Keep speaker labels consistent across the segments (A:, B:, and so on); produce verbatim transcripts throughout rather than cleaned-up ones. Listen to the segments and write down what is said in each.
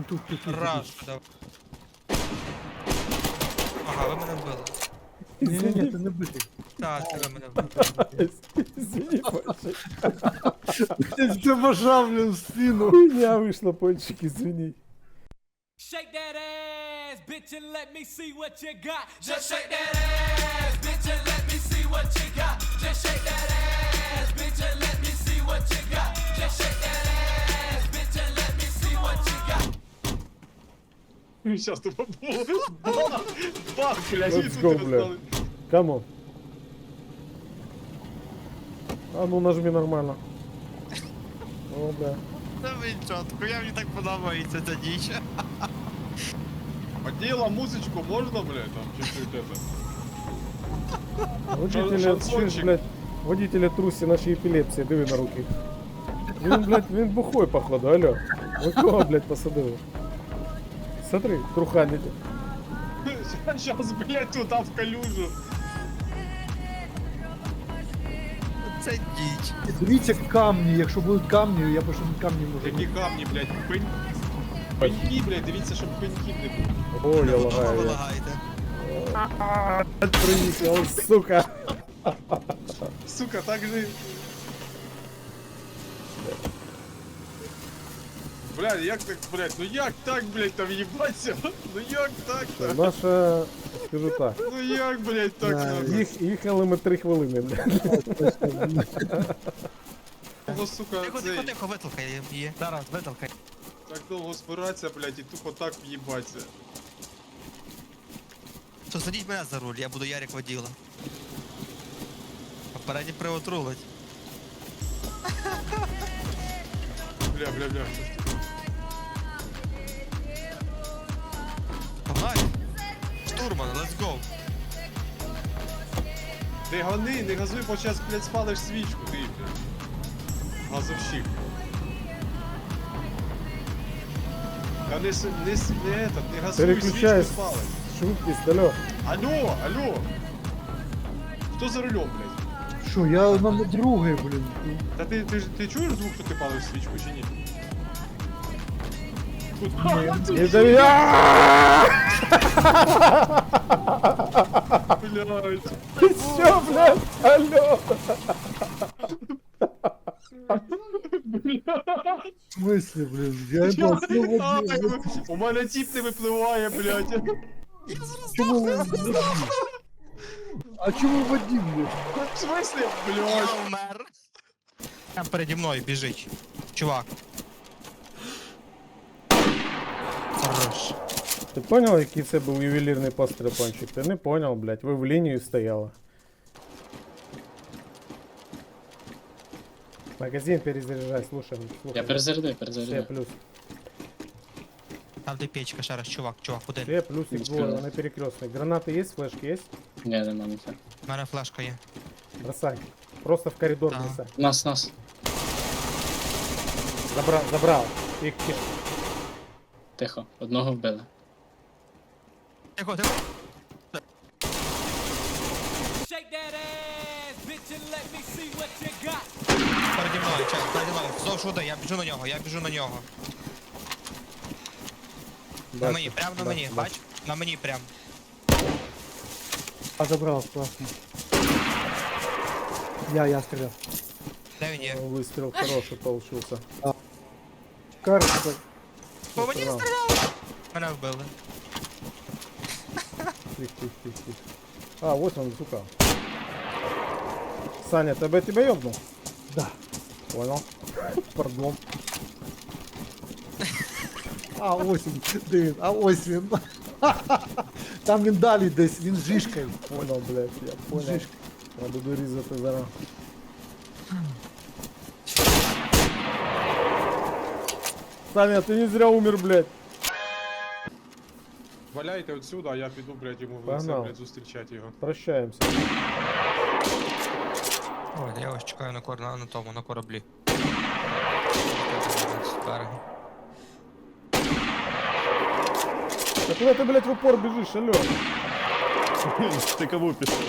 A: тут, тут, тут.
B: Раз, давай. Ага, ви мене вбили.
A: Ні, ні, ні, ти не битий.
B: Так, це ви мене вбили.
C: Извини, Пончик.
A: Ти забажав, блін, в спину.
C: Хуйня вышла, Пончик, извини.
D: Shake that ass, bitch, and let me see what you got. Just shake that ass, bitch, and let me see what you got. Just shake that ass, bitch, and let me see what you got. Just shake that ass, bitch, and let me see what you got.
E: Сейчас тупо бах, бах, блядь,
C: Let's
E: и
C: go,
E: тут
C: бля.
E: раздал.
C: Come on. А ну нажми нормально. О, бля.
B: Та ви чотко, я мені так подобається ця ніч.
E: Подела музычку можно, блядь, там чуть-чуть это.
C: Водителя,
E: шансончик.
C: чуєш, блядь, водителя трусі наші епілепсії, диви на руки. Він, блядь, він бухой, походу, алло. Ви кого, блядь, посадили? Смотри, труханить.
E: Сейчас, блядь, туда в калюжу.
B: Це ніч.
A: Дивіться камні, якщо будуть камні, я пишу камні можу.
E: Які камні, блядь, пень... Пеньки, блядь, дивіться, щоб пеньків не було.
C: О, я
B: Ви
C: лагаю. я.
B: лагаєте.
C: Приїхав, сука.
E: Сука, так же... Блядь, як так, блядь, ну як так, блядь, там їбаться? Ну як так-то?
C: Наша, скажу так,
E: Ну як, блядь, так
A: Да,
E: надо?
C: їх, їхали ми три хвилини, блядь.
E: Довго, сука,
B: Тихо,
E: цей,
B: тихо, тихо, витолкай її. Зараз, витолкай.
E: так довго збиратися, блядь, і тупо так в'їбаться.
B: Що, садіть мене за руль, я буду Ярик воділа. Попередній привод рулить.
E: Бля, бля, бля.
B: Погнали. Штурман, let's go.
E: Ти гони, не газуй, бо зараз, блядь, спалиш свічку, ти, блядь. Газовщик. Та не, с- не, с- не, этот, не газуй,
C: Переключай
E: свічку спалиш.
C: швидкість, алло.
E: Алло, алло! Хто за рулем, блядь?
A: Що, я на другий, блін.
E: Та ти, ти, ж- ти чуєш звук, що ти палиш свічку чи ні? Тут,
C: Не довіряй!
E: блядь.
C: Ти що, блядь, алло?
A: В смислі, блін? Я не знаю, що водій.
E: Ай, у мене тіп не випливає, блядь.
A: Чому ви водій? А чому водій, блін?
E: В смысле,
B: Я
E: блядь?
B: вмер. Там переді мною біжить. Чувак. Хорош.
C: Ти понял, який це був ювелірний постріл, Пончик? Ти не понял, блядь, ви в лінію стояли. Магазин перезаряжай, слушай, слушай.
F: Я перезарядив,
C: Ще
F: перезарядив.
C: плюс.
B: Там де печка, ще раз, чувак, чувак, один.
C: Ще плюсик двое, вони перекрестный. Гранаты есть, флешки есть?
F: Ні, нема ніхто.
B: У мене флешка є.
C: Бросай. Просто в коридор
B: Да.
C: бросай.
F: Нас, нас.
C: Забрал, забрал. Их киш.
F: Тихо, одного вбили.
B: Тихо, тихо.
D: Shake that ass, bitch, and let me see what you got.
B: Переді мною, чек, переді мною. Вздовж води, я біжу на нього, я біжу на нього. На
C: Бачу,
B: мені, прям на
C: бачу,
B: мені,
C: бачу.
B: бач? На мені прям.
A: А забрав, класно. Я, я стріляв.
B: Де він є?
C: О, выстрел хороший получился.
A: Карта.
B: По мені
C: Справа.
B: стріляв! Мене вбили.
C: Тихо, тихо, тихо, тихо. А, вот он, сука. Саня, тебе тебя ёбнул?
A: Да.
C: Понял. Пардон.
A: А, ось він, дивін, а ось він. Там він далі десь, він з жишкою.
C: Понял, блядь, я понял.
A: Жишка.
C: Я буду різати зараз. Саня, ты не зря умер, блядь.
E: Валяйте отсюда, а я піду, блядь, йому в лице,
C: Погнал.
E: блядь, зустрічати його.
C: Прощаемся.
B: Ой, я ось чекаю на, кор... на, на тому, на кораблі. З берега.
C: Да куда ты, блядь, в упор бежишь, алё?
G: Ты кого писал?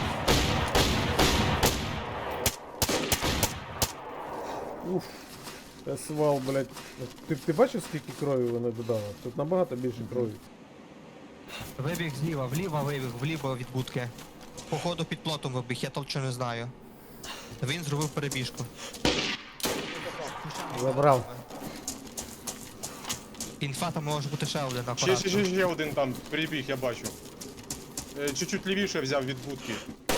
C: Уф. Та свал, блядь. Ти, ти бачив, скільки крові вони додали? Тут набагато більше крові.
B: Вибіг зліва, вліво вибіг, вліво від будки. Походу під плотом вибіг, я толче не знаю. Він зробив перебіжку.
C: Забрав.
B: Інфа там може бути ще один
E: Ще,
B: акуратно.
E: ще, ще, ще один там прибіг, я бачу. Е, Чуть-чуть лівіше взяв від будки.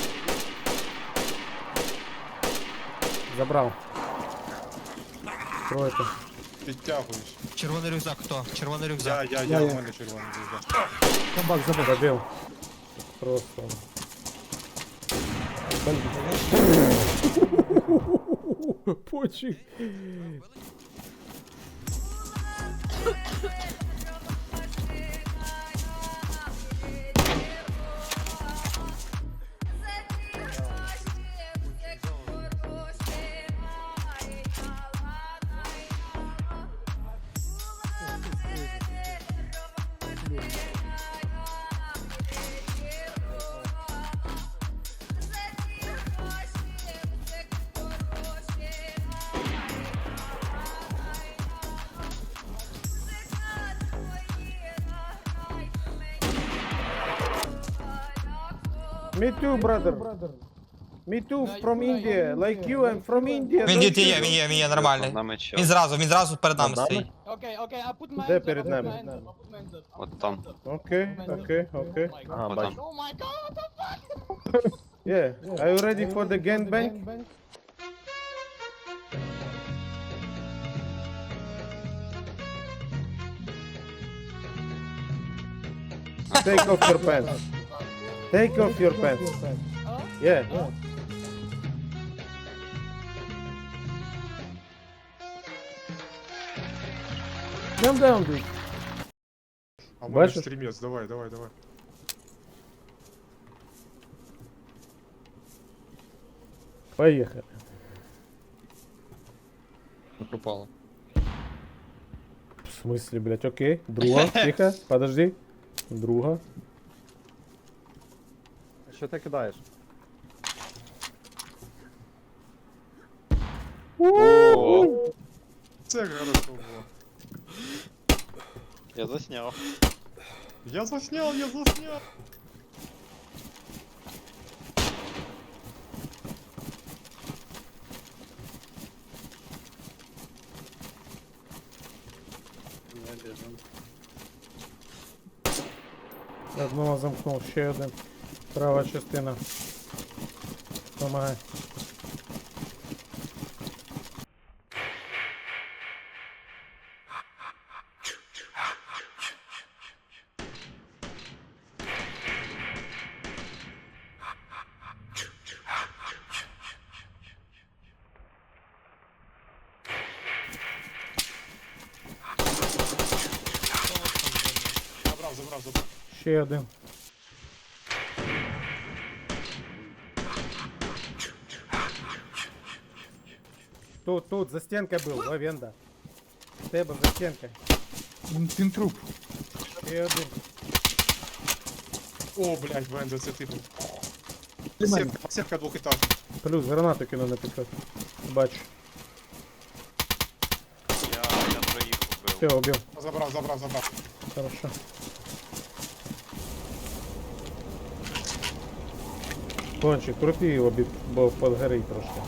C: Забрав. Тройка.
E: Підтягуюсь.
B: Червоний рюкзак хто? Червоний
E: Я,
B: рюкзак.
E: я,
A: Я,
E: я,
A: я.
E: у мене червоний рюкзак.
A: Зомбак, зомбак.
C: Забив. Просто. Почек. Me too, brother. Me too, from India. Like you, I'm from India.
B: Він
C: Don't
B: є,
C: you
B: є,
C: know?
B: він є, він є, нормальний. Він зразу, він зразу перед нами стоїть.
H: Okay, okay, I put my
C: Де
H: hands up,
C: перед
H: I put
C: нами?
H: my hands up, I put my hands up.
G: От там.
C: Окей, окей, окей.
G: Ага, бачу.
H: Oh my god, what the fuck?
C: Yeah. Are you ready for the gangbang? Take off your pants. Take off your pants. Yeah. Calm down, dude.
E: А в мене
C: Бачиш?
E: стрімець, давай, давай, давай.
C: Поехали.
G: Пропало.
C: В смысле, блядь, окей. Друга, тихо, подожди. Друга.
A: Що ти кидаєш?
G: О,
E: Це хорошо було.
G: я засняв.
E: Я засняв, я засняв.
C: Одного замкнув, ще один. Права частина. Помагай.
E: Забрав, забрав, забрав.
C: Ще один. Тут, тут, за стенкой был, Лавенда. Тебе за стенкой.
A: Він, він труп.
C: Ще один.
E: О, блядь, Венда, це ти був.
A: Ти мене.
E: Сітка, сітка двохетажна.
C: Плюс гранату кину на підход. Бачу.
G: Я, я троїх убив.
C: Все, убил.
E: Забрав, забрав, забрав.
C: Хорошо. Кончик, крути його, бі- бо подгорить трошки.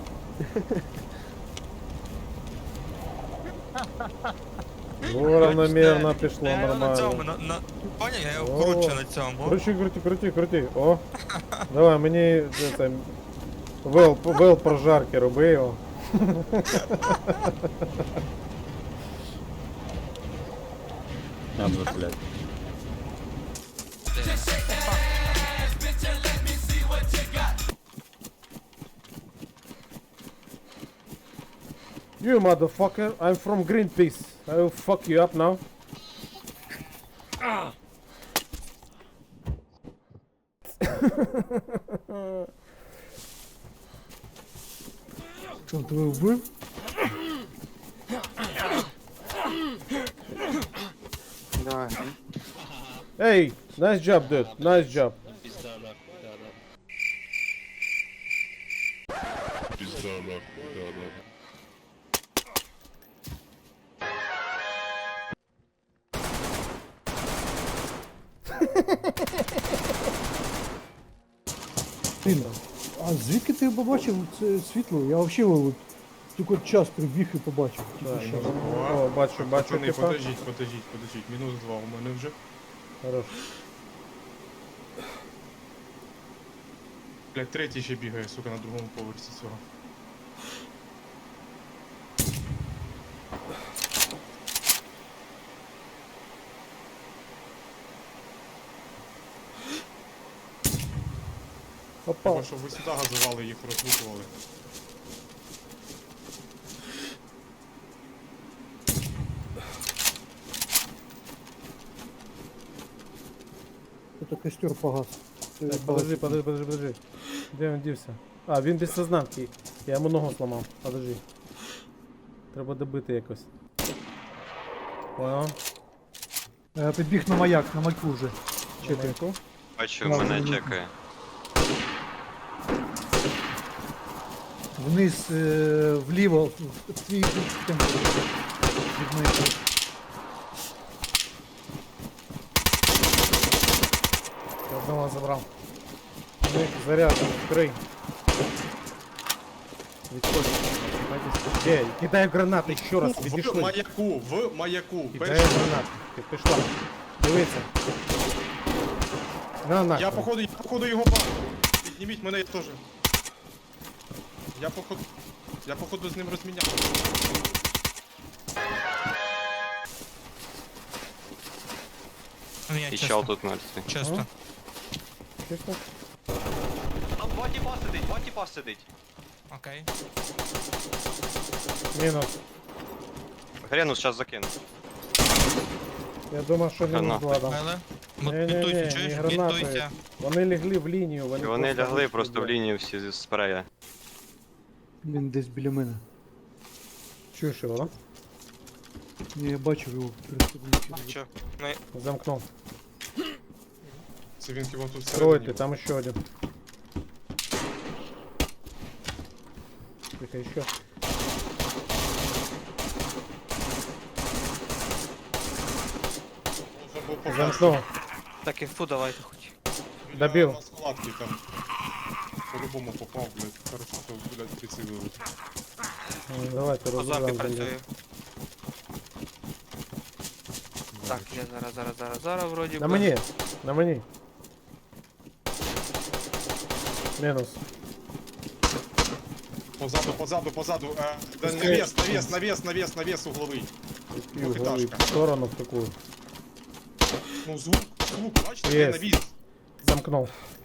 C: Ну, равномірно пішло,
B: Я його на цьому,
C: нормально.
B: на, на... Поняв, я його
C: О.
B: кручу на цьому.
C: Крути, крути, крути, крути. О. Давай, мені це, це, вел, вел прожарки, роби його.
G: Надо, блядь.
C: You motherfucker, I'm from Greenpeace. I will fuck you up now.
A: Що, тебе вбив?
C: Hey, nice job, dude. Nice job.
A: Блін, а звідки ти побачив це світло? Я взагалі от, тільки от час прибіг і побачив. Тільки
C: Так,
A: що.
C: ну, о, бачу, бачу,
E: Пацани,
C: типа.
E: подождіть, подождіть, подождіть. Мінус два у мене вже.
C: Хорош.
E: Блядь, третій ще бігає, сука, на другому поверсі цього.
C: Опа.
E: Треба, щоб ви сюди газували, їх розлутували.
A: Це костер погас. Це
C: Так, подожди, подожди, подожди, подожди. Де він дівся? А, він без сознанки. Я йому ногу зламав. Подожди. Треба добити якось. Понял?
A: Е, Підбіг на маяк, на маяку вже. Чекай.
C: Чекай.
G: Бачу,
A: Ладно,
G: мене
A: ладно.
G: чекає.
A: Вниз, е, вліво, в в твій темп. Від маяку.
C: Одного забрав. Ну, заряджено, крий. Відходь. Де? Кидаю гранати ще раз,
E: В
C: відійшли.
E: маяку, в маяку.
C: Кидаю
E: Перший.
C: гранати. Ти пішла. Дивися. На, на.
E: Я походу, я походу його бачу. Підніміть мене, я теж. Я походу. Я походу з ним розміняв.
B: Ну, я
G: І
B: чисто.
G: чел тут мертвий.
B: Чисто.
C: Чисто?
G: Там два тіпа сидить, два тіпа сидить.
B: Окей.
C: Мінус.
G: Гренус зараз закину.
C: Я думав, що мінус
G: Гранати.
C: два дам.
B: Мели.
C: Не-не-не,
B: Мутуйся,
C: не
B: чуєш?
C: гранати.
B: Мутуйся.
C: Вони лягли в лінію, вони,
G: І вони лягли
C: вийшли,
G: просто в
C: блядь.
G: лінію всі зі спрея.
A: Він десь біля мене.
C: Чуєш його, да?
A: Ні, я бачив його перед собою.
B: Що?
C: Замкнув.
E: Це він кого тут
C: Тройте,
E: всередині.
C: там ще один. Тихо, еще.
E: Должен був попасти.
C: Замкнув.
B: Так, інфу давайте хоч.
E: Біля
C: Добив.
E: маскулатки там. По-любому попав, блядь. Хорошо, що, блядь, прицілили.
C: Ну, давайте
B: По зомбі
C: розберемо.
B: працює. Так, я зараз, зараз, зараз, зараз вроді
C: На
B: би.
C: мені, на мені. Мінус.
E: Позаду, позаду, позаду. Е, да,
C: Пускай.
E: навес, навес, навес, навес, навес угловий.
C: Пів
E: Двухэтажка.
C: голови в сторону в таку.
E: Ну, звук, звук, бачите,
C: Є.
E: де навіс?
C: Замкнув.